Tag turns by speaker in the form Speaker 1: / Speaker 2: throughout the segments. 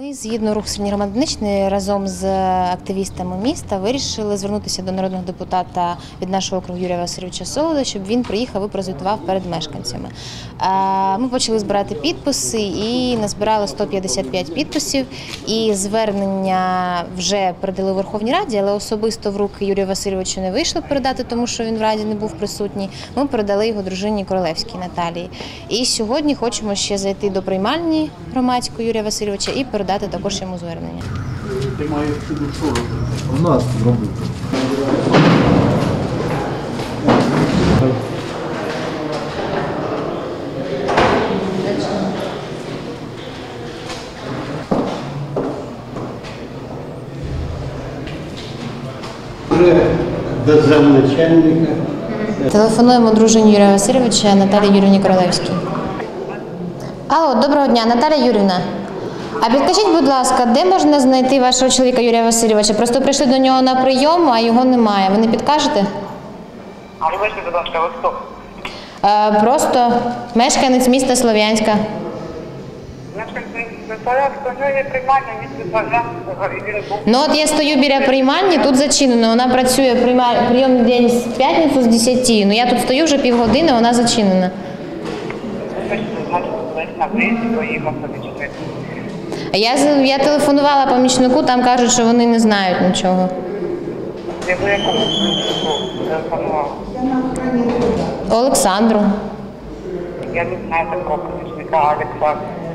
Speaker 1: Ми, згідно «Рух Сильні громади Донеччини», разом з активістами міста вирішили звернутися до народного депутата від нашого округу Юрія Васильовича Солода, щоб він приїхав і прозвітував перед мешканцями. Ми почали збирати підписи і назбирали 155 підписів. І звернення вже передали у Верховній Раді, але особисто в руки Юрія Васильовича не вийшло передати, тому що він в Раді не був присутній. Ми передали його дружині Королевській Наталії. І сьогодні хочемо ще зайти до приймальні громадської Юрія Васильовича і передати також йому звернення.
Speaker 2: Ти маєш сюди що робити?
Speaker 3: У нас робити.
Speaker 2: До замначальника.
Speaker 1: Телефонуємо дружині Юрія Васильовича Наталії Юріївні Королевській. Алло, доброго дня, Наталія Юріївна. А підкажіть, будь ласка, де можна знайти вашого чоловіка Юрія Васильовича? Просто прийшли до нього на прийом, а його немає. Ви не підкажете?
Speaker 4: А вибачте, будь ласка, ви хто?
Speaker 1: Просто мешканець міста Слов'янська.
Speaker 4: Є приймальня, місце Слов'янського.
Speaker 1: Ну от я стою біля приймальні, тут зачинено. Вона працює прийомний день з п'ятницю з 10. Ну я тут стою вже півгодини, вона зачинена. Я телефонувала помічнику, там кажуть, що вони не знають нічого.
Speaker 4: Ви якому помічнику телефонували?
Speaker 1: Олександру.
Speaker 4: Я не знаю такого помічника Олександра.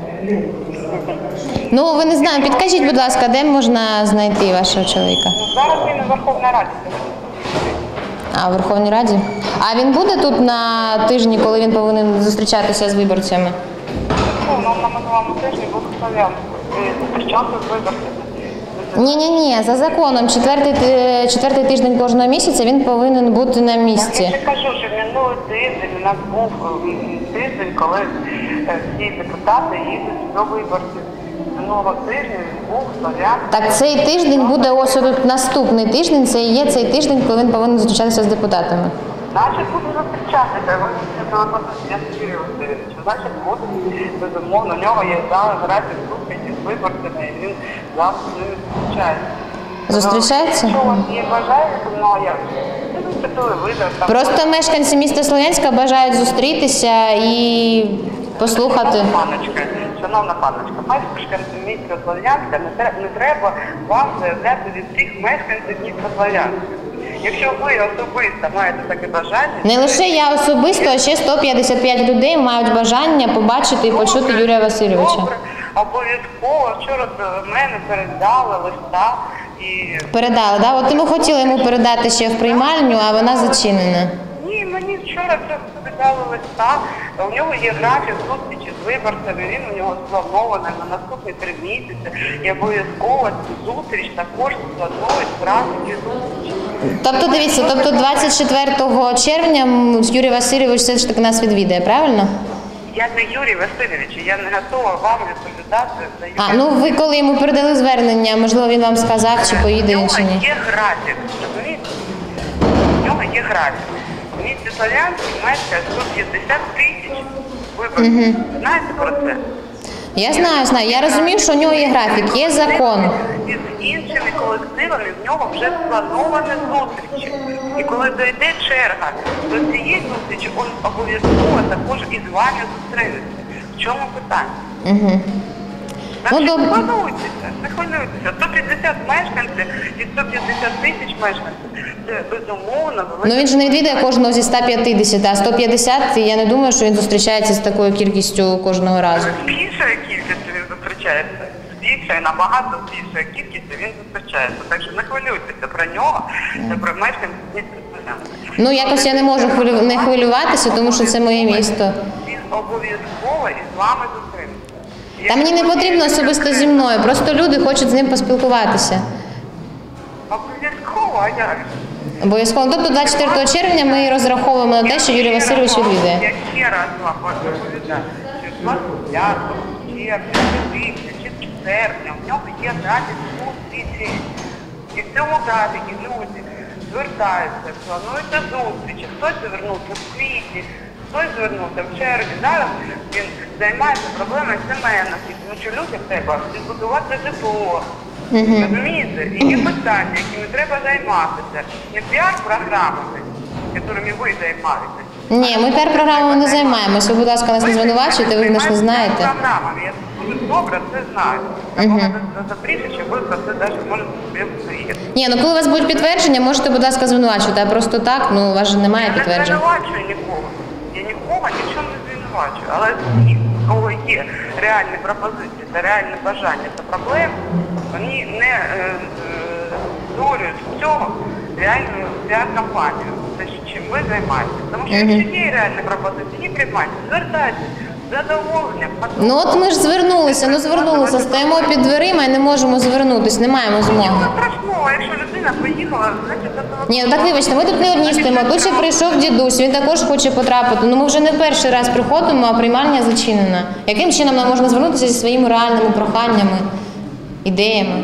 Speaker 1: Ну, ви не знаєте, підкажіть, будь ласка, де можна знайти вашого чоловіка?
Speaker 4: Зараз він у Верховній Раді.
Speaker 1: А, у Верховній Раді? А він буде тут на тижні, коли він повинен зустрічатися з виборцями?
Speaker 4: Ну, на минулому тижні був Слов'янську. Зустрічався з виборцями.
Speaker 1: Ні, за законом, четвертий тиждень кожного місяця він повинен бути на місці.
Speaker 4: Я ж кажу, що минулий тиждень у нас був тиждень, коли всі депутати їдуть до виборців. Минулого тижня був Слов'янський.
Speaker 1: Так цей тиждень буде ось тут наступний тиждень, це і є цей тиждень, коли він повинен зустрічатися з депутатами.
Speaker 4: Значить, буде зустрічатися, ви я Юрій Васильович. Значить, буде, безумовно, у нього є графік зустрічі з виборцями, і він завжди з ними зустрічається.
Speaker 1: Зустрічається?
Speaker 4: Якщо у вас є бажання, то я підготую вибір.
Speaker 1: Просто мешканці міста Слов'янська бажають зустрітися і послухати.
Speaker 4: Шановна паночка, мешканці міста Слов'янська, не треба вам заявляти від всіх мешканців міста Слов'янська. Якщо ви особисто маєте таке бажання...
Speaker 1: Не лише я особисто, а ще 155 людей мають бажання побачити і почути Юрія Васильовича.
Speaker 4: Добре, обов'язково. Вчора до мене передали листа і...
Speaker 1: Передали, так? От ми хотіли йому передати ще в приймальню, а вона зачинена.
Speaker 4: Ні, мені вчора це передали листа. У нього є графік зустрічі з виборцями, він у нього спланований на наступні 3 місяці. І обов'язково цю зустріч також спланують в графіки зустрічі.
Speaker 1: Тобто, дивіться, 24 червня Юрій Васильович все ж таки нас відвідає, правильно?
Speaker 4: Я не Юрій Васильович, я не готова вам відповідати за Юрія.
Speaker 1: А, ну ви коли йому передали звернення, можливо, він вам сказав, чи поїде він, чи ні?
Speaker 4: У нього є графік, розумієте? У нього є графік. В місті Слов'янській мешкає 150 тисяч виборців. Знаєте про це?
Speaker 1: Я знаю. Я розумію, що у нього є графік, є закон.
Speaker 4: І з іншими колективами в нього вже сплановані зустрічі. І коли дойде черга до цієї зустрічі, він обов'язково також із вами зустрінеться. В чому питання? Значить, не хвилюйтеся. 150 мешканців і 150 тисяч мешканців. Це безумовно.
Speaker 1: Ну він же не відвідає кожного зі 150, а 150, я не думаю, що він зустрічається з такою кількістю кожного разу.
Speaker 4: З більшою кількістю він зустрічається. З більшою, набагато більшою кількістю він зустрічається. Так що не хвилюйтеся про нього та про мешканців міста Слов'янська.
Speaker 1: Ну якось я не можу не хвилюватися, тому що це моє місто.
Speaker 4: Він обов'язково із вами зустрінеться.
Speaker 1: Та мені не потрібно особисто зі мною, просто люди хочуть з ним поспілкуватися.
Speaker 4: Обов'язково, а як?
Speaker 1: Обов'язково. Тобто 24 червня ми розраховуємо на те, що Юрій Васильович відвідає.
Speaker 4: Я ще раз вам розповідаю, що 25 червня, чи серпня, в нього є графік зустрічі. І в цьому графіки люди звертаються, плануються зустрічі, хтось звернувся в квітні, хтось звернувся в черзі. Зараз він займається проблемою сімейності, тому що людям треба відбудувати житло. Розумієте? І є питання, якими треба займатися. Не піар-програмами, якими ви займаєтесь.
Speaker 1: Ні, ми піар-програмами не займаємося. Ви, будь ласка, нас не звинувачуєте, ви ж не знаєте.
Speaker 4: Програмами. Я дуже добре це знаю. Такого запріжжя, ви про це навіть можете собі уявити.
Speaker 1: Ні, ну коли у вас будуть підтвердження, можете, будь ласка, звинувачувати, а просто так, ну у вас же немає
Speaker 4: Я не
Speaker 1: підтверджень.
Speaker 4: звинувачую нікого. Я нікого нічого не звинувачую. Але ті, у кого є реальні пропозиції та реальне бажання та проблеми, вони не створюють з цього реальну піар-кампанію. Те, чим ви займаєтесь. Тому що якщо є реальні пропозиції, не приймайте, звертайтеся. Задоволення.
Speaker 1: Ну от ми ж звернулися, стоїмо під дверима і не можемо звернутися, не маємо змоги.
Speaker 4: Нічого страшного, якщо людина поїхала, значить задоволення.
Speaker 1: Ні, ну так вибачте, ми тут не одні стоїмо, тут ще прийшов дідусь, він також хоче потрапити. Ну ми вже не перший раз приходимо, а приймальня зачинена. Яким чином нам можна звернутися зі своїми реальними проханнями, ідеями?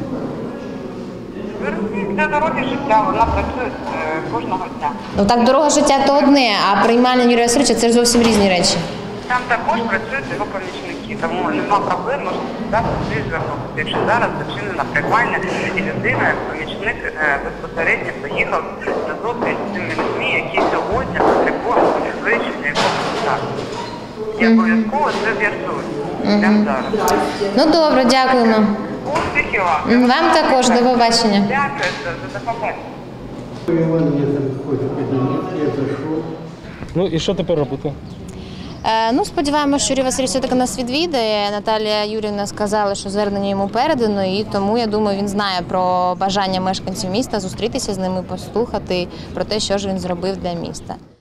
Speaker 4: Для дороги життя, вона працює кожного дня.
Speaker 1: Ну так дорога життя то одне, а приймальня Юрія Васильовича це ж зовсім різні речі.
Speaker 4: Там також працюють його помічники, тому нема проблем, можна завжди всі звернутися. Якщо зараз зачинена приймальня і людина, як помічник, безпосередньо поїхав на зустріч з тими людьми, які сьогодні потребують вирішення якого питання. І обов'язково це з'ясують. Прямо зараз.
Speaker 1: Ну добре, дякуємо.
Speaker 4: Успіхів вам!
Speaker 1: Вам також, до побачення.
Speaker 4: Дякую за побачення.
Speaker 2: Іван мені там ходить в кабінет, я зайшов.
Speaker 3: Ну і що тепер робити?
Speaker 1: Ну, сподіваємося, що Юрій Васильович все-таки нас відвідає. Наталія Юріївна сказала, що звернення йому передано, і тому, я думаю, він знає про бажання мешканців міста зустрітися з ними, послухати про те, що ж він зробив для міста.